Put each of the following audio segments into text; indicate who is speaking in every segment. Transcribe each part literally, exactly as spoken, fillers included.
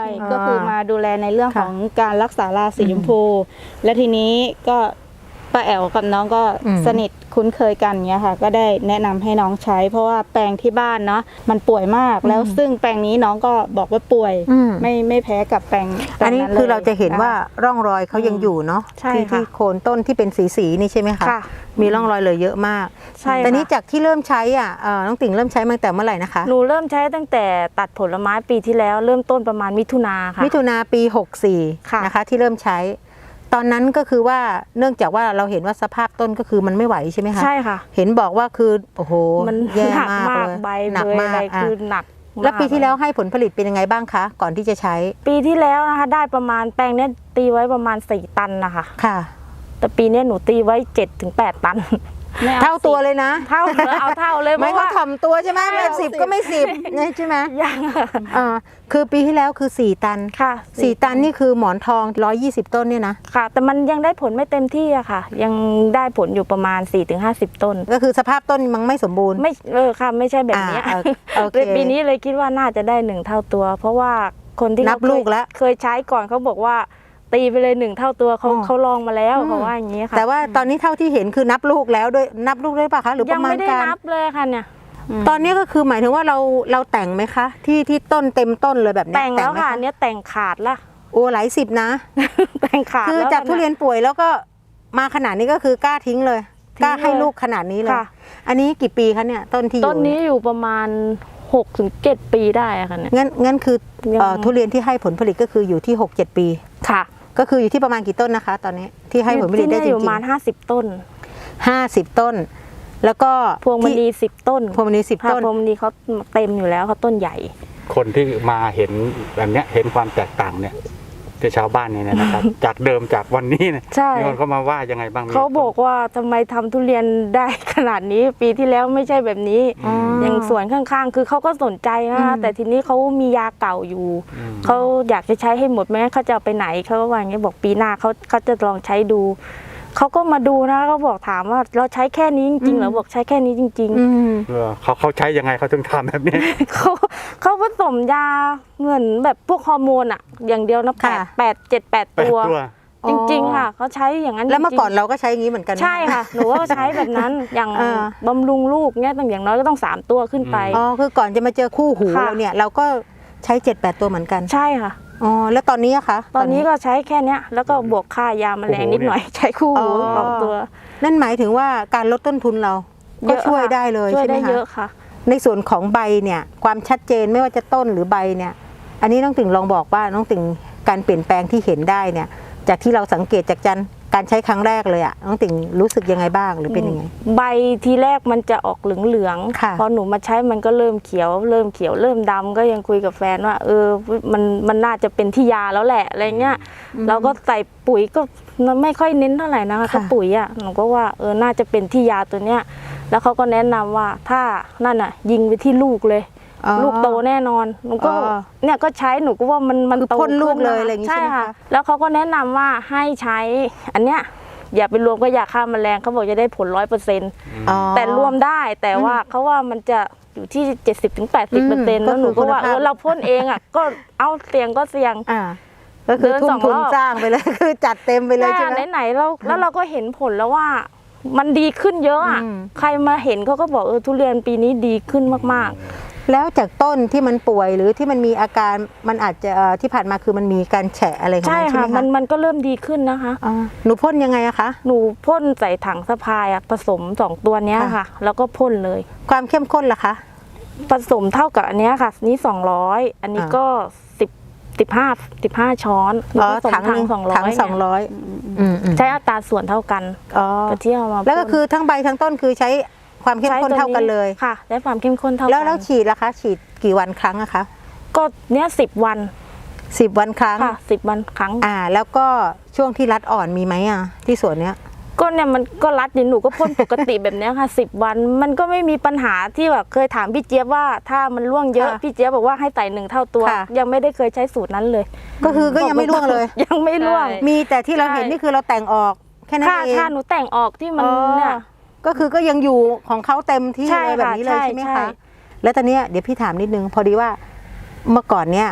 Speaker 1: ก็คือมาดูแลในเรื่องของการรักษาราสีชมพูและทีนี้ก็ป้าแอ๋วกับน้องก็สนิทคุ้นเคยกันเงี้ยค่ะก็ได้แนะนำให้น้องใช้เพราะว่าแปลงที่บ้านเนาะมันป่วยมากแล้วซึ่งแปลงนี้น้องก็บอกว่าป่วยไม่ไม่แพ้กับแปลง
Speaker 2: อันนี้คือเราจะเห็นว่าร่องรอยเขายังอยู่เนาะที่ที่โคนต้นที่เป็นสีสีนี่ใช่ไหมคะมีร่องรอยเลยเยอะมาก
Speaker 1: ใช่
Speaker 2: แต่นี้จากที่เริ่มใช้อ่ะน้องติ่งเริ่มใช้มาตั้งแต่เมื่อไหร่นะคะ
Speaker 3: หนูเริ่มใช้ตั้งแต่ตัดผลไม้ปีที่แล้วเริ่มต้นประมาณมิถุนาค่ะ
Speaker 2: มิถุนาปีหกสี่นะคะที่เริ่มใช้ตอนนั้นก็คือว่าเนื่องจากว่าเราเห็นว่าสภาพต้นก็คือมันไม่ไหวใช่ไหมคะ
Speaker 3: ใช่ค่ะ
Speaker 2: เห็นบอกว่าคือโอ้โห
Speaker 3: มัน
Speaker 2: แย่มากเลย
Speaker 3: ใบหนักมากคือหนัก
Speaker 2: แล้วปีที่แล้วให้ผลผลิตเป็นยังไงบ้างคะก่อนที่จะใช้
Speaker 3: ปีที่แล้วนะคะได้ประมาณแปลงนี้ตีไว้ประมาณสี่ตันนะคะ
Speaker 2: ค่ะ
Speaker 3: แต่ปีนี้หนูตีไว้เจ็ดถึงแปดตัน
Speaker 2: เท่าตัวเลยนะ
Speaker 3: เท่าเอาเท่าเลย
Speaker 2: ไม่ก็ถ่อมตัวใช่ไหมไม่สิบก็ไม่สิบใช่ไหม
Speaker 3: ยัง
Speaker 2: อ่าคือปีที่แล้วคือสี่ตัน
Speaker 3: ค่ะ
Speaker 2: สี่ตันนี่คือหมอนทองร้อยยี่สิบต้นเนี่ยนะ
Speaker 3: ค่ะแต่มันยังได้ผลไม่เต็มที่อะค่ะยังได้ผลอยู่ประมาณสี่ถึงห้าสิบต้น
Speaker 2: ก็คือสภาพต้นมันไม่สมบูรณ์
Speaker 3: ไม่เออค่ะไม่ใช่แบบนี้ปีนี้เลยคิดว่าน่าจะได้หนึ่งเท่าตัวเพราะว่าคนที่
Speaker 2: นับลูกแล้ว
Speaker 3: เคยใช้ก่อนเขาบอกว่าตีไปเลยหนึ่งเท่าตัวเขาเขาลองมาแล้วเขาว่าอย่างนี้ค่ะ
Speaker 2: แต่ว่าตอนนี้เท่าที่เห็นคือนับลูกแล้วด้วยนับลูกด้วยป่ะคะหรือประมาณการ
Speaker 3: ยังไม่ได้นับเลยค่ะเนี่ย
Speaker 2: ตอนนี้ก็คือหมายถึงว่าเราเราแต่งไหมคะที่ที่ต้นเต็มต้นเลยแบบนี้
Speaker 3: แต่งแล้วค่ะเนี้ยแต่งขาดละ
Speaker 2: โอ้หลายสิบนะ
Speaker 3: แต่งขาด
Speaker 2: คือจากทุเรียนป่วยแล้วก็มาขนาดนี้ก็คือกล้าทิ้งเลยกล้าให้ลูกขนาดนี้เลยอันนี้กี่ปีคะเนี่ยต้นที่อยู่
Speaker 3: ต้นนี้อยู่ประมาณหกถึงเจ็ดปีได้ค่ะเนี่ย
Speaker 2: งั้นงั้นคือทุเรียนที่ให้ผลผลิตก็คืออยู่ที่หกเจ็ดปี
Speaker 3: ค่ะ
Speaker 2: ก็คืออยู่ที่ประมาณกี่ต้นนะคะตอนนี้ที่ให้ผลผลิตได้จริงๆ
Speaker 3: ประมาณห้าสิบต้น
Speaker 2: ห้าสิบต้นแล้วก็
Speaker 3: พวงมณีสิบต้น
Speaker 2: พวงมณีสิบต้น
Speaker 3: พวงมณีเขาเต็มอยู่แล้วเขาต้นใหญ่
Speaker 4: คนที่มาเห็นแบบนี้เห็นความแตกต่างเนี่ยที่ชาวบ้านเนี่ยนะครับ จากเดิมจากวันนี้เนี่ยมีคนเขามาว่ายังไงบ้าง
Speaker 3: เขาบอกว่าทำไมทำทุเรียนได้ขนาดนี้ปีที่แล้วไม่ใช่แบบนี้อย่างสวนข้างๆคือเขาก็สนใจนะแต่ทีนี้เขามียาเก่าอยู่เขาอยากจะใช้ให้หมดแม้เขาจะเอาไปไหนเขาก็ว่าอย่างนี้บอกปีหน้าเขาเขาจะลองใช้ดูเขาก็มาดูนะเขาบอกถามว่าเราใช้แค่นี้จริงๆเหรอบอกใช้แค่นี้จริง
Speaker 4: ๆเขาเขาใช้ยังไงเขาถึงทำแบบนี้
Speaker 3: เขาเขาผสมยาเงินแบบพวกฮอร์โมนอะอย่างเดียวนะแปดแปดเจ็ดแปดตัวจริงๆค่ะเขาใช้อย่างนั้น
Speaker 2: แล้วเมื่อก่อนเราก็ใช้อย่างนี้เหมือนกัน
Speaker 3: ใช่ค่ะหนูก็ใช้แบบนั้นอย่างบำรุงลูกเนี่ยต้องอย่างน้อยก็ต้องสามตัวขึ้นไป
Speaker 2: อ๋อคือก่อนจะมาเจอคู่หูเราเนี่ยเราก็ใช้เจ็ดแปดตัวเหมือนกัน
Speaker 3: ใช่ค่ะ
Speaker 2: อ๋อแล้วตอนนี้อะคะ
Speaker 3: ตอนนี้ก็ใช้แค่นี้แล้วก็บวกค่ายาแมลงนิดหน่อยใช้คู่หูสองตัว
Speaker 2: นั่นหมายถึงว่าการลดต้นทุนเราก็ช่วยได้เลยใช่ไหมคะช่วยได้
Speaker 3: เยอะค่ะ
Speaker 2: ในส่วนของใบเนี่ยความชัดเจนไม่ว่าจะต้นหรือใบเนี่ยอันนี้น้องติ่งลองบอกว่าน้องติ่งการเปลี่ยนแปลงที่เห็นได้เนี่ยจากที่เราสังเกตจากจันการใช้ครั้งแรกเลยอะน้องติ่งรู้สึกยังไงบ้างหรือเป็นยังไง
Speaker 3: ใบทีแรกมันจะออกเหลืองๆพอหนูมาใช้มันก็เริ่มเขียวเริ่มเขียวเริ่มดำก็ยังคุยกับแฟนว่าเออมันมันน่าจะเป็นที่ยาแล้วแหละอะไรเงี้ยเราก็ใส่ปุ๋ยก็ไม่ค่อยเน้นเท่าไหร่นะคะถ้าปุ๋ยอะหนูก็ว่าเออน่าจะเป็นที่ยาตัวเนี้ยแล้วเขาก็แนะนำว่าถ้านั่นอะยิงไปที่ลูกเลยลูกโตแน่นอนหนูก็เนี่ยก็ใช้หนูก็ว่ามันมันโต
Speaker 2: พ่นลูกเลยอะไรอย่างนี้ใช่ไหมคะ
Speaker 3: แล้วเขาก็แนะนำว่าให้ใช้อันเนี้ยอย่าไปรวมก็ยาฆ่าแมลงเขาบอกจะได้ผลร้อยเปอร์เซ็นต์แต่รวมได้แต่ว่าเขาว่ามันจะอยู่ที่เจ็ดสิบถึงแปดสิบเปอร์เซ็นต์แล้วหนูก็ว่าเออเราพ่นเองอ่ะก็เอาเสี่ยงก็เสี่ยง
Speaker 2: ก็คือทุ่มทุนจ้างไปเลยคือจัดเต็มไปเลยใช่ไหม
Speaker 3: ไหนๆเราแล้วเราก็เห็นผลแล้วว่ามันดีขึ้นเยอะอ่ะใครมาเห็นเขาก็บอกเออทุเรียนปีนี้ดีขึ้นมากๆ
Speaker 2: แล้วจากต้นที่มันป่วยหรือที่มันมีอาการมันอาจจะที่ผ่านมาคือมันมีการแฉะอะไรของมันใช่ไหมคะ
Speaker 3: มันมันก็เริ่มดีขึ้นนะคะ
Speaker 2: หนูพ่นยังไงอะคะ
Speaker 3: หนูพ่นใส่ถังสะพายอะผสมสองตัวเนี้ยค่ะแล้วก็พ่นเลย
Speaker 2: ความเข้มข้นล่ะคะ
Speaker 3: ผสมเท่ากับอันนี้ค่ะนี้สองร้อยอันนี้ก็สิบสิบห้าสิบห้าช้อน
Speaker 2: อ๋อถังถังสองร้อยถังสองร้อย
Speaker 3: ใช้อัตราส่วนเท่ากัน
Speaker 2: อ๋อ
Speaker 3: เที่ยวมา
Speaker 2: แล้วก็คือทั้งใบทั้งต้นคือใช้ความเข้มข้นเท่ากันเลย
Speaker 3: ค่ะได้ความเข้มข้นเท่ากัน
Speaker 2: แล้วแล้วฉีดล่ะคะฉีดกี่วันครั้งอะคะ
Speaker 3: ก็เนี้ยสิบวัน
Speaker 2: สิบวันครั้ง
Speaker 3: ค่ะสิบวันครั้ง
Speaker 2: อ่าแล้วก็ช่วงที่รัดอ่อนมีไหมอะที่สวนเนี้ย
Speaker 3: ก็เนี่ยมันก็รัดดิหนูก็พ่นปกติแบบนี้ค่ะสิบวันมันก็ไม่มีปัญหาที่แบบเคยถามพี่เจี๊ยบว่าถ้ามันร่วงเยอะพี่เจี๊ยบบอกว่าให้ใส่หนึ่งเท่าตัวยังไม่ได้เคยใช้สูตรนั้นเลย
Speaker 2: ก็คือก็ยังไม่ร่วงเลย
Speaker 3: ยังไม่ร่วง
Speaker 2: มีแต่ที่เราเห็นนี่คือเราแต่งออกแค่นั้นเอง
Speaker 3: ค่ะหนูแต่งออกที่มันเนี่ย
Speaker 2: ก็คือก็ยังอยู่ของเขาเต็มที่เลยแบบนี้เลยใช่ไหมคะแล้วตอนนี้เดี๋ยวพี่ถามนิดนึงพอดีว่าเมื่อก่อนเนี้ย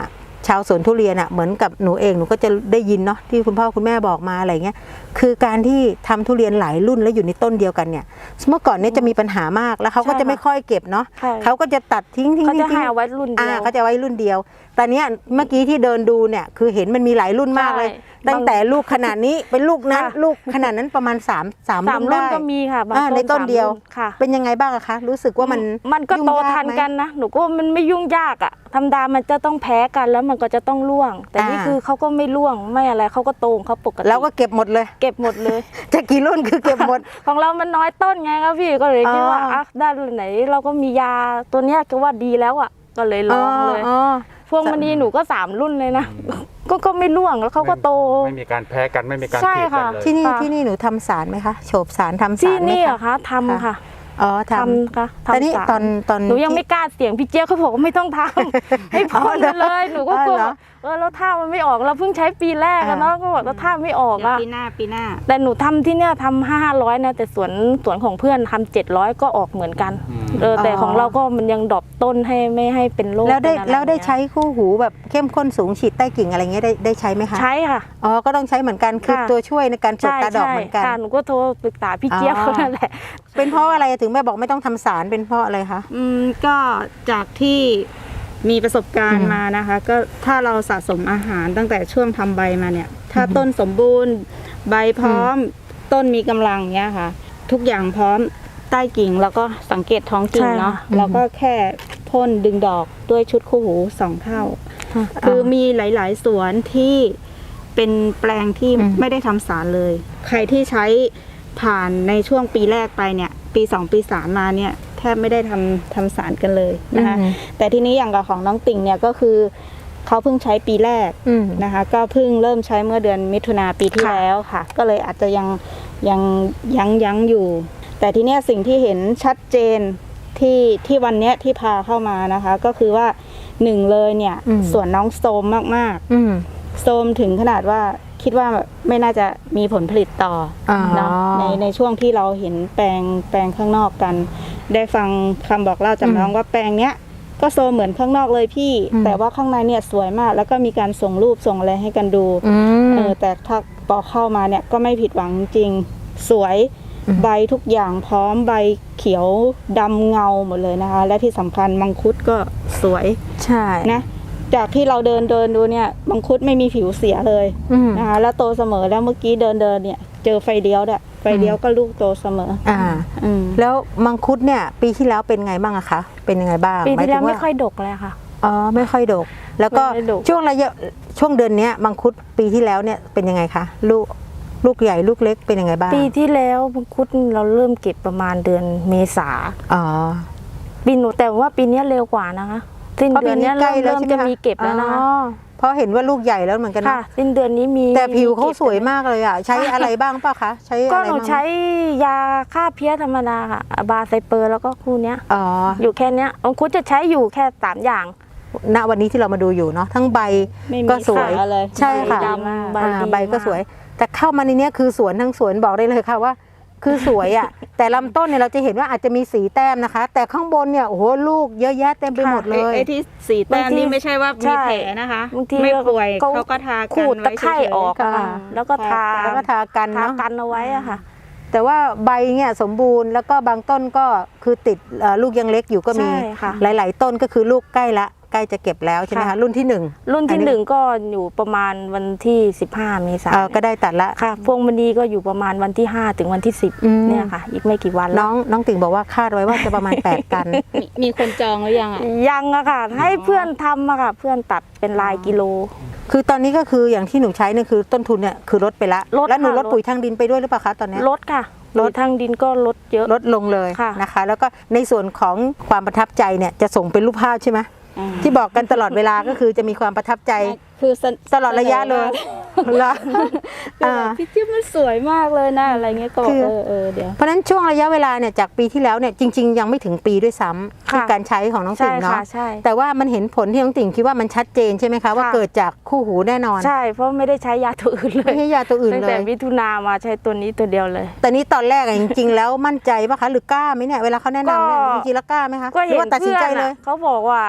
Speaker 2: ชาวสวนทุเรียนอ่ะเหมือนกับหนูเองหนูก็จะได้ยินเนาะที่คุณพ่อคุณแม่บอกมาอะไรเงี้ยคือการที่ทำทุเรียนหลายรุ่นแล้วอยู่ในต้นเดียวกันเนี่ยเมื่อก่อนเนี่ยจะมีปัญหามากแล้วเขาก็จะไม่ค่อยเก็บเนาะเขาก็จะตัดทิ้งทิ้ง
Speaker 3: เขาจะ
Speaker 2: ทิ้ง
Speaker 3: ให้เอาไว้รุ่นเดี
Speaker 2: อ่า
Speaker 3: ยว
Speaker 2: เขาจะไว้รุ่นเดียวแต่เนี้ยเมื่อกี้ที่เดินดูเนี่ยคือเห็นมันมีหลายรุ่นมากเลย
Speaker 3: ใช่
Speaker 2: ตั้งแต่ลูกขนาดนี้เป็นลูกนั้น
Speaker 3: ค่ะ
Speaker 2: ลูกขนาดนั้นประมาณสามสาม
Speaker 3: สาม
Speaker 2: รุ่น
Speaker 3: รุ่น
Speaker 2: ได้
Speaker 3: ก็มีค่ะบาง
Speaker 2: อ่าในต้น
Speaker 3: สาม
Speaker 2: เดียว
Speaker 3: รุ่ค่ะ
Speaker 2: เป็นยังไงบ้างอะคะรู้สึกว่ามัน
Speaker 3: มันก็
Speaker 2: ยุ่ง
Speaker 3: โต
Speaker 2: ยา
Speaker 3: ทัน
Speaker 2: ไหม
Speaker 3: กันนะหนูก็ว่ามันไม่ยุ่งยากอ่ะธรรมดามันจะต้องแพ้กันแล้วมันก็จะต้องร่วง แต่นี่
Speaker 2: อ่า
Speaker 3: คือเขาก็ไม่ร่วงไม่อะไรเขาก็โตของเขาปกติ
Speaker 2: แล้วก็เก็บหมดเลย
Speaker 3: เก็บหมดเลย
Speaker 2: จะกี่รุ่นคือเก็บหมด
Speaker 3: ของเรามันน้อยต้นไงครับพี่ก็เลยคิดว่า
Speaker 2: อ๋ออ่
Speaker 3: อ่ะด้านไหนเราก็มียาตัวเนี้ยก็ว่าดีแล้วอ่ะก็เลยลองเลย
Speaker 2: อ๋อ
Speaker 3: พวงมณีหนูก็สามรุ่นเลยนะก็ก็ไม่ร่วงแล้วเขาก็โต
Speaker 4: ไม่มีการแพ้กันไม่มีการ
Speaker 3: ใช่
Speaker 4: ผิดกัน
Speaker 3: ค่ะ
Speaker 4: เลย
Speaker 2: ที่นี่
Speaker 3: ค่ะ
Speaker 2: ที่นี่หนูทำสารไหมคะโฉบสารทำ
Speaker 3: ที่
Speaker 2: สารไหม
Speaker 3: นี่เหรอ
Speaker 2: คะ
Speaker 3: คะทำค่ะ
Speaker 2: อ๋อท
Speaker 3: ทำค่ะ
Speaker 2: ำแต่นี่
Speaker 3: ทำสาร
Speaker 2: ตอนตอน
Speaker 3: หนูยังไม่
Speaker 2: ที่
Speaker 3: กล้าเสี่ยงพี่เจี๊ยบเขาบอกว่าไม่ต้องทำ ให้พ่นไปเลยหนูก็กลัว
Speaker 2: อ๋อเหรอ
Speaker 3: เออแล้วท่ามันไม่ออกเราเพิ่งใช้ปีแรกอะ
Speaker 2: อ่า
Speaker 3: เนาะก็บอกแล้วท่าไม่ออก
Speaker 1: เดี๋ยว
Speaker 3: อะ
Speaker 1: ปีหน้าปีหน้า
Speaker 3: แต่หนูทำที่เนี่ยทำห้าร้อยนะแต่สวนสวนของเพื่อนทำเจ็ดร้อยก็ออกเหมือนกัน
Speaker 4: อืม
Speaker 3: เออแต่
Speaker 2: อ๋อ
Speaker 3: ของเราก็มันยังดรอปต้นให้ไม่ให้เป็นโรค
Speaker 2: แล้วได้
Speaker 3: เป็นอะร
Speaker 2: แล้วได้
Speaker 3: เงี้ย
Speaker 2: ใช้คู่หูแบบเข้มข้นสูงฉีดใต้กิ่งอะไรเงี้ยได้ได้ใช้ไหมคะ
Speaker 3: ใช้ค่ะ
Speaker 2: อ๋อก็ต้องใช้เหมือนกันคือ
Speaker 3: ค่ะ
Speaker 2: ตัวช่วยในการปลด
Speaker 3: ใช่
Speaker 2: ตาดอก
Speaker 3: ใช่
Speaker 2: เหมือนกัน
Speaker 3: ค่ะหนูก็โทรปรึกษาพี่เจี๊ยบ
Speaker 2: อ๋อ
Speaker 3: เขานั่นแหละ
Speaker 2: เป็นเพราะอะไรถึงแม่บอกไม่ต้องทำสารเป็นเพราะอะไรคะ
Speaker 1: อืมก็จากที่มีประสบการ
Speaker 2: อื
Speaker 1: ณ์
Speaker 2: ม
Speaker 1: มานะคะ ก็ถ้าเราสะสมอาหารตั้งแต่ช่วงทำใบมาเนี่ย ถ้าต้นสมบูรณ์ ใบพร้อม ต้นมีกำลังเนี้ยค่ะ ทุกอย่างพร้อมใต้กิ่งแล้วก็สังเกตท้องกิ่ง
Speaker 3: ใช่
Speaker 1: เนาะ
Speaker 2: ค่ะ
Speaker 1: แล้วก็แค่พ่นดึงดอกด้วยชุดคู่หูสองเท่า คือมีหลาย ๆ สวนที่เป็นแปลงที่
Speaker 2: อืม
Speaker 1: ไม่ได้ทำสารเลย ใครที่ใช้ผ่านในช่วงปีแรกไปเนี่ย ปีสองปีสามมาเนี่ยแทบไม่ได้ทำทำสารกันเลยนะคะ
Speaker 2: อืม
Speaker 1: แต่ทีนี้อย่างกับของน้องติ่งเนี่ยก็คือเขาเพิ่งใช้ปีแรก
Speaker 2: อืม
Speaker 1: นะคะ ก็เพิ่งเริ่มใช้เมื่อเดือนมิถุนาปีที่
Speaker 3: ค่ะ
Speaker 1: แล้วค่ะ ก็เลยอาจจะยังยังยั้งยั้งอยู่ แต่ทีเนี้ยสิ่งที่เห็นชัดเจนที่ที่วันเนี้ยที่พาเข้ามานะคะ ก็คือว่าหนึ่งเลยเนี่ย
Speaker 2: อืม
Speaker 1: ส่วนน้องโซมมาก
Speaker 2: อืม
Speaker 1: ๆ โซมถึงขนาดว่าคิดว่าไม่น่าจะมีผลผลิตต่ออ
Speaker 2: อ
Speaker 1: เนาะในในช่วงที่เราเห็นแปลงแปลงข้างนอกกัน ได้ฟังคำบอกเล่าจากน้องว่าแปลงเนี้ยก็โซมเหมือนข้างนอกเลยพี่
Speaker 2: อืม
Speaker 1: แต่ว่าข้างในเนี่ยสวยมาก แล้วก็มีการส่งรูปส่งอะไรให้กันดู
Speaker 2: อืม
Speaker 1: เออแต่ถ้าพอเข้ามาเนี่ยก็ไม่ผิดหวังจริงสวย
Speaker 2: อืม
Speaker 1: ใบทุกอย่างพร้อมใบเขียวดำเงาหมดเลยนะคะ และที่สำคัญมังคุดก็สวย
Speaker 2: ใช่
Speaker 1: นะจากที่เราเดินเดินดูเนี่ยมังคุดไม่มีผิวเสียเลย
Speaker 2: อืม
Speaker 1: นะคะแล้วโตเสมอแล้วเมื่อกี้เดินเดินเนี่ยเจอไฟเลี้ยวด้วยไฟเลี้ยวก็ลูกโตเสมอ
Speaker 2: อ่า
Speaker 1: อืม
Speaker 2: แล้วมังคุดเนี่ย ปีที่แล้วเป็นไงบ้างอะคะ เป็นยังไงบ้าง
Speaker 3: ปีที่แล้ว
Speaker 2: หา
Speaker 3: ไม่
Speaker 2: ถึงา
Speaker 3: ค่อยดกเลยค่ะ
Speaker 2: อ๋อไม่ค่อยดก แล้วก็
Speaker 3: ไม่ค่อยดก
Speaker 2: ช่วงระยะช่วงเดือนเนี้ยมังคุดปีที่แล้วเนี่ยเป็นยังไงคะลูกลูกใหญ่ลูกเล็กเป็นยังไงบ้าง
Speaker 3: ปีที่แล้วมังคุดเราเริ่มเก็บประมาณเดือนเมษา
Speaker 2: อ๋อ
Speaker 3: ปีหนูแต่ว่าปีเนี้ยเร็วกว่านะคะสิ้น
Speaker 2: เพราะ
Speaker 3: เดื
Speaker 2: ปี
Speaker 3: อน
Speaker 2: นี้
Speaker 3: เนี้ย
Speaker 2: ใกล้
Speaker 3: เริ่ม
Speaker 2: แล้ว
Speaker 3: เริ่ม
Speaker 2: ใช่ไหม
Speaker 3: จะมีเก็บแล้วนะคะ
Speaker 2: อ๋อเพราะเห็นว่าลูกใหญ่แล้วเหมือนกัน
Speaker 3: ค่ะ
Speaker 2: นะ
Speaker 3: สิ้นเดือนนี้มี
Speaker 2: แต่ผิวเขา
Speaker 3: มีก็บ
Speaker 2: สวยมากเลยอ่ะ ใช้อะไรบ้างเปล่าคะ ใช้
Speaker 3: ก็
Speaker 2: อะไร
Speaker 3: หนู
Speaker 2: บ้าง
Speaker 3: ใช้ยาฆ่าเพี้ยธรรมดาค่ะบาไซเปอร์แล้วก็คู่เนี้ย
Speaker 2: อ๋อ
Speaker 3: อยู่แค่เนี้ยมังคุดจะใช้อยู่แค่สามอย่าง
Speaker 2: ณวันนี้ที่เรามาดูอยู่เนาะทั้งใบ
Speaker 1: ไม่มี
Speaker 2: ก็สวย
Speaker 1: ขาเลย
Speaker 2: ใช่ค่ะ
Speaker 1: ใบดีมาก
Speaker 3: ใบ
Speaker 2: อ่า
Speaker 3: ดี
Speaker 2: ใบก็
Speaker 3: มาก
Speaker 2: สวย แต่เข้ามาในเนี้ยคือสวนทั้งสวนบอกได้เลยค่ะว่า คือสวยอ่ะ แต่ลำต้นเนี่ยเราจะเห็นว่าอาจจะมีสีแต้มนะคะ แต่ข้างบนเนี่ยโอ้โหลูกเยอะแยะเต็มไปหมดเล
Speaker 1: ไอ้
Speaker 2: ย
Speaker 1: ไอ้ที่สีแต้ม
Speaker 3: บางที
Speaker 1: นี่ไม่ใช่ว่า
Speaker 3: ใช่
Speaker 1: มีแผลนะคะ
Speaker 3: บางที
Speaker 1: ไม่ป่วย
Speaker 3: ก็
Speaker 1: เขาก็ทา
Speaker 3: ขู
Speaker 1: กัน
Speaker 3: ดตะ
Speaker 1: ไว้
Speaker 3: ไคร่
Speaker 1: เฉยๆ
Speaker 3: ออกอะค่ะ
Speaker 2: อ่า
Speaker 3: แล้วก็ทา
Speaker 2: แล้วก็ทากัน
Speaker 3: ทา
Speaker 2: เนาะ
Speaker 3: กันเอาไว้อะค่ะ
Speaker 2: แต่ว่าใบเนี่ยสมบูรณ์แล้วก็บางต้นก็คือติดเอ่อลูกยังเล็กอยู่ก็มี
Speaker 3: ใช่ค่ะ
Speaker 2: หลาย ๆ ต้นก็คือลูกใกล้ละใกล้จะเก็บแล้วใช่ไหมคะ
Speaker 3: ค่ะ
Speaker 2: รุ่นที่หนึ่ง
Speaker 3: รุ่น
Speaker 2: อั
Speaker 3: ที่
Speaker 2: นนี้
Speaker 3: หนึ่งก็อยู่ประมาณวันที่สิบห้าเมษา
Speaker 2: เอ่อก็ได้ตัดละ
Speaker 3: ค่ะ พวงมณีก็อยู่ประมาณวันที่ห้าถึงวันที่สิบ
Speaker 2: อืม
Speaker 3: เนี่ยค่ะ อีกไม่กี่วัน
Speaker 2: น้
Speaker 3: แล้
Speaker 2: อ
Speaker 3: ว
Speaker 2: งน้องติ่งบอกว่าคาดไว้ว่าจะประมาณ แปด ตัน
Speaker 1: มีมีคนจองหรือยังอ่ะ
Speaker 3: ยังอะค่ะ ให้เพื่อนทำอะค่ะ เพื่อนตัดเป็นลายกิโล
Speaker 2: คือตอนนี้ก็คืออย่างที่หนูใช้เนี่ยคือต้นทุนเนี่ยคือลดไปละ
Speaker 3: ลด
Speaker 2: แล้วหนู
Speaker 3: ค่ะ
Speaker 2: ลด
Speaker 3: ลด
Speaker 2: ปุ๋ยทางดินไปด้วยหรือเปล่าคะตอนเนี้ย
Speaker 3: ลดค่ะ
Speaker 2: ล
Speaker 3: ล
Speaker 2: ด
Speaker 3: ดทางดินก็ลดเยอะ
Speaker 2: ลดลงเลย
Speaker 3: ค่ะ
Speaker 2: นะคะ แล้วก็ในส่วนของความประทับใจเนี่ยจะส่งเป็นรูปภาพใช่ไหม
Speaker 1: อ่า
Speaker 2: ที่บอกกันตลอดเวลาก็คือจะมีความประทับใจ
Speaker 1: คือเสน
Speaker 2: ตลอดระยะเลยเหรอ
Speaker 1: คือ
Speaker 2: อ่า
Speaker 1: แบบพี่จิ๊บมันสวยมากเลยนะอะไรเงี้ยก็บอก
Speaker 2: คือ
Speaker 1: เออเออเดี๋ยว
Speaker 2: เพราะฉะนั้นช่วงระยะเวลาเนี่ยจากปีที่แล้วเนี่ยจริง ๆ ยังไม่ถึงปีด้วยซ้ำที่
Speaker 3: ค่ะ
Speaker 2: การใช้ของน้องติ่
Speaker 3: ใช่
Speaker 2: งเนาะ
Speaker 3: ค่ะใช่
Speaker 2: แต่ว่ามันเห็นผลที่น้องติ่งคิดว่ามันชัดเจนใช่ไหมคะว่า
Speaker 3: ค่ะ
Speaker 2: เกิดจากคู่หูแน่นอน
Speaker 3: ใช่ เพราะไม่ได้ใช้ยาตัวอื่นเล
Speaker 2: ไม่
Speaker 3: ย
Speaker 2: ใช่ยาตัวอื่น
Speaker 3: ตั้ง
Speaker 2: เล
Speaker 3: แต่
Speaker 2: ย
Speaker 3: มิถุนามาใช้ตัวนี้ตัวเดียวเลย
Speaker 2: แต่นี้ตอนแรกอะจริง ๆ แล้วมั่นใจปะคะหรือกล้าไหมเนี่ยเวลาเขาแนะนำเนี่ย
Speaker 3: ก็
Speaker 2: จริงๆแล้วกล้าไหมคะ
Speaker 3: ก็
Speaker 2: หรื
Speaker 3: เห็
Speaker 2: อน ว่าตัดสิน
Speaker 3: เพื่อ
Speaker 2: ใจ
Speaker 3: น
Speaker 2: เล
Speaker 3: อะ
Speaker 2: ย
Speaker 3: เขาบอกว่า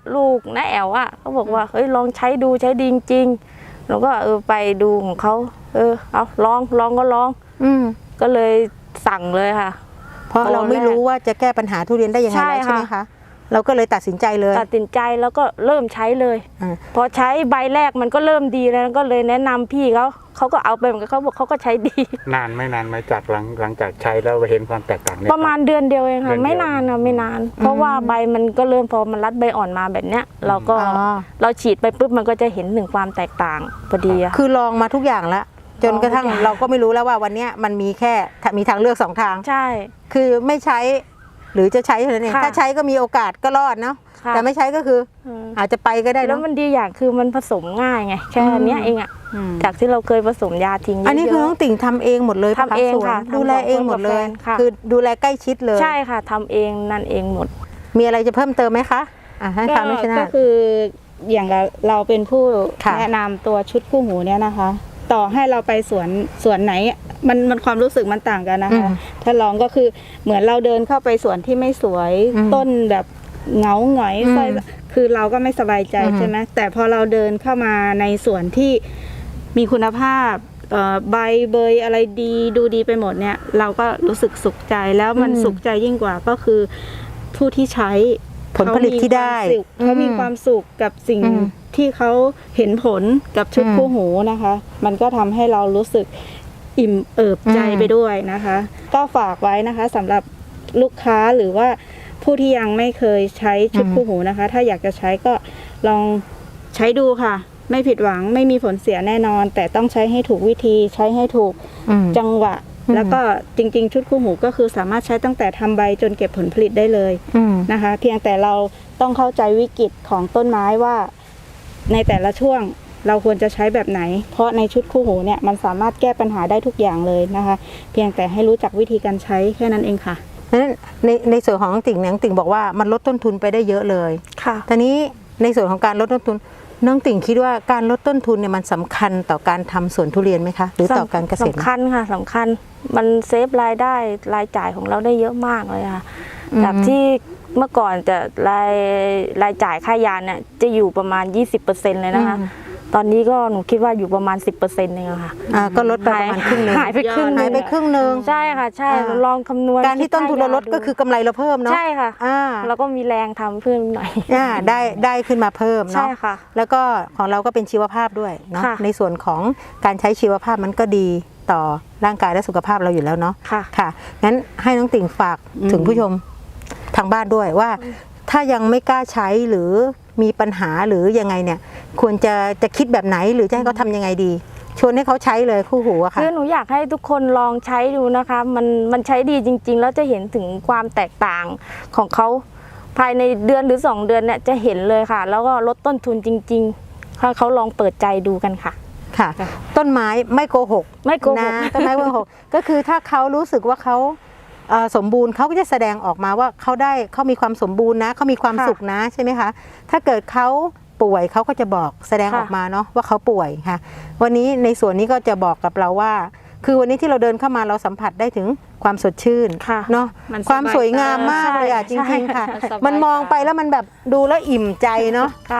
Speaker 3: ลูกน้าแอลอ่ะเขาบอกว่าเฮ้ยลองใช้ดูใช้ดีจริงๆเราก็เออไปดูของเขาเออเอาลองลองก็ลอง
Speaker 2: อืม
Speaker 3: ก็เลยสั่งเลยค่ะ
Speaker 2: เพราะเราไม่รู้ว่าจะแก้ปัญหาทุเรียนได้ยังไง
Speaker 3: ใช่
Speaker 2: แล้วใช่ไหม
Speaker 3: ค่ะ
Speaker 2: คะเราก็เลยตัดสินใจเลย
Speaker 3: ตัดสินใจแล้วก็เริ่มใช้เลย
Speaker 2: อ่า
Speaker 3: พอใช้ใบแรกมันก็เริ่มดีแล้วก็เลยแนะนำพี่เขาเขาก็เอาไปเหมือนกันเขาบอกเขาก็ใช้ดี
Speaker 4: นานไม่นานไหมจากหลังหลังจากใช้แล้วเห็นความแตกต่างเนี่ย
Speaker 3: ประมาณเดือนเดียวเอง
Speaker 4: เดื
Speaker 3: ค่ะ
Speaker 4: อนเดียว
Speaker 3: ไม่นานนะไม่นาน เพราะว่าใบมันก็เริ่มพอมันรัดใบอ่อนมาแบบเนี้ย เราก็
Speaker 2: อ๋อ
Speaker 3: เราฉีดไปปุ๊บมันก็จะเห็นถึงความแตกต่างพอดีอะ
Speaker 2: คือลองมาทุกอย่างแล้วจนกระทั่ง
Speaker 3: ลองทุกอย่าง
Speaker 2: เราก็ไม่รู้แล้วว่าวันเนี้ยมันมีแค่มีทางเลือกสองทาง
Speaker 3: ใช่
Speaker 2: คือไม่ใช้หรือจะใช้เท่านั้นเอง
Speaker 3: ค่ะ
Speaker 2: ถ้าใช้ก็มีโอกาสก็รอดเนาะ
Speaker 3: ค่ะ
Speaker 2: แต่ไม่ใช้ก็คือ
Speaker 3: อืม
Speaker 2: อาจจะไปก็ได้
Speaker 3: แล้ว
Speaker 2: เนาะ
Speaker 3: มันดีอย่างคือมันผสมง่ายไงแค่เนี้ยเองอะ
Speaker 1: อืม
Speaker 3: จากที่เราเคยผสมยาทิ้งเยอะๆ
Speaker 2: อันนี้คือน้องติ่งทำเองหมดเลยปะ
Speaker 3: ทำเอง
Speaker 2: สวน
Speaker 3: ค่ะ
Speaker 2: ดูแลเองหมดเลย
Speaker 3: ทำสองคนกับแฟนค่ะ
Speaker 2: คือดูแลใกล้ชิดเลย
Speaker 3: ใช่ค่ะทำเองนั่นเองหมด
Speaker 2: มีอะไรจะเพิ่มเติมไหมคะอ่ะให้
Speaker 1: ก็
Speaker 2: ฟังด้วยชนะ
Speaker 1: ก็คืออย่างเราเราเป็นผู้
Speaker 2: ค่ะ
Speaker 1: แนะนำตัวชุดคู่หูเนี่ยนะคะ ต่อให้เราไปสวนสวนไหนมันมันความรู้สึกมันต่างกันนะคะ ถ้าลองก็คือเหมือนเราเดินเข้าไปสวนที่ไม่สวย
Speaker 2: อืม
Speaker 1: ต้นแบบเหงาหงอย
Speaker 2: อืม
Speaker 1: ไฟคือเราก็ไม่สบายใจ
Speaker 2: อืม
Speaker 1: ใช่ไหมแต่พอเราเดินเข้ามาในสวนที่มีคุณภาพเอ่อใบเบยอะไรดีดูดีไปหมดเนี่ย เราก็รู้สึกสุขใจแล้วมันสุขใจยิ่งกว่าก็คือผู้ที่ใช้
Speaker 2: ผลผลิตที่ได้
Speaker 1: เขามีความสุขกับสิ่ง
Speaker 2: อืม
Speaker 1: ที่เขาเห็นผลกับชุด
Speaker 2: อืม
Speaker 1: คู่หูนะคะ มันก็ทำให้เรารู้สึกอิ่มเอิบใจ
Speaker 2: อืม
Speaker 1: ไปด้วยนะคะ ก็ฝากไว้นะคะสำหรับลูกค้าหรือว่าผู้ที่ยังไม่เคยใช้ชุดคู่หูนะคะ ถ้าอยากจะใช้ก็ลองใช้ดูค่ะ ไม่ผิดหวังไม่มีผลเสียแน่นอน แต่ต้องใช้ให้ถูกวิธีใช้ให้ถูก
Speaker 2: อืม
Speaker 1: จังหวะ
Speaker 2: อืม
Speaker 1: แล้วก็จริง ๆ ชุดคู่หูก็คือสามารถใช้ตั้งแต่ทำใบจนเก็บผลผลิตได้เลย
Speaker 2: อืม
Speaker 1: นะคะ เพียงแต่เราต้องเข้าใจวิกฤตของต้นไม้ว่าในแต่ละช่วงเราควรจะใช้แบบไหน เพราะในชุดคู่หูเนี่ยมันสามารถแก้ปัญหาได้ทุกอย่างเลยนะคะ เพียงแต่ให้รู้จักวิธีการใช้แค่นั้นเองค่ะ
Speaker 2: นั้นในในส่วนของน้องติ่งเนี่ยน้องติ่งบอกว่ามันลดต้นทุนไปได้เยอะเลย
Speaker 3: ค่ะ
Speaker 2: ตอนนี้ในส่วนของการลดต้นทุนน้องติ่งคิดว่าการลดต้นทุนเนี่ยมันสำคัญต่อการทำสวนทุเรียนไหมคะหรือต่อการเกษตรไหม
Speaker 3: สำคัญค่ะสำคัญมันเซฟรายได้รายจ่ายของเราได้เยอะมากเลยค่ะ
Speaker 2: อืม
Speaker 3: จากที่เมื่อก่อนจะรายรายจ่ายค่ายาเนี่ยจะอยู่ประมาณ ยี่สิบเปอร์เซ็นต์ เลยนะคะ ตอนนี้ก็หนูคิดว่าอยู่ประมาณ สิบเปอร์เซ็นต์ เองอะค่ะ
Speaker 2: อ่าก็ลดไปประมาณครึ่งหนึง
Speaker 3: หายไปครึ่งห
Speaker 2: หาย
Speaker 3: นึ่ง
Speaker 2: ไปครึ่งหนึง
Speaker 3: ใช่ค่ะใช่
Speaker 2: อ่า
Speaker 3: ลองคำนวณ
Speaker 2: การที่ต้นทุนเราลดก็คือกำไรเราเพิ่มเนาะ
Speaker 3: ใช่ค่ะ
Speaker 2: อ่า
Speaker 3: แล้วก็มีแรงทำเพิ่มหน่อย
Speaker 2: อ่าได้ได้ขึ้นมาเพิ่ม
Speaker 3: ใช่
Speaker 2: เนาะ
Speaker 3: ค่ะ
Speaker 2: แล้วก็ของเราก็เป็นชีวภาพด้วยเนาะ
Speaker 3: ค่ะ
Speaker 2: ในส่วนของการใช้ชีวภาพมันก็ดีต่อร่างกายและสุขภาพเราอยู่แล้วเนาะ
Speaker 3: ค่ะ
Speaker 2: ค่ะงั้นให้น้องติ่งฝาก
Speaker 1: อืม
Speaker 2: ถึงผู้ชมทางบ้านด้วยว่า ถ้ายังไม่กล้าใช้หรือมีปัญหาหรือยังไงเนี่ย ควรจะจะคิดแบบไหนหรือจะให้เขาทำยังไงดี ชวนให้เขาใช้เลยคู่หูอะค่ะ
Speaker 3: คือหนูอยากให้ทุกคนลองใช้ดูนะคะ มันมันใช้ดีจริง ๆ แล้วจะเห็นถึงความแตกต่างของเขาภายในเดือนหรือสองเดือนเนี่ยจะเห็นเลยค่ะ แล้วก็ลดต้นทุนจริงๆถ้าเขาลองเปิดใจดูกันค่ะ
Speaker 2: ค่ะ ต้นไม้ไม่โกหก
Speaker 3: ไม่โกหก
Speaker 2: นะต้นไม้ไม่โกหก ก็คือถ้าเขารู้สึกว่าเขาเอ่อสมบูรณ์เขาก็จะแสดงออกมาว่าเขาได้เขามีความสมบูรณ์นะเขามีความ
Speaker 3: ค่ะ
Speaker 2: สุขนะใช่ไหมคะถ้าเกิดเขาป่วยเขาก็จะบอกแสดง
Speaker 3: ค่ะ
Speaker 2: ออกมาเนาะว่าเขาป่วยค่ะ วันนี้ในส่วนนี้ก็จะบอกกับเราว่า คือวันนี้ที่เราเดินเข้ามาเราสัมผัสได้ถึงความสดชื่น
Speaker 3: ค่ะ
Speaker 2: เนาะ
Speaker 1: มัน
Speaker 2: ความ
Speaker 1: สบาย
Speaker 2: สวยงามมาก
Speaker 3: ตา
Speaker 2: เลยอ่ะจ
Speaker 3: ใช่
Speaker 2: ริงๆค่ะ
Speaker 1: สบาย
Speaker 2: มันมองไปแล้วมันแบบดูแล้วอิ่มใจเนาะ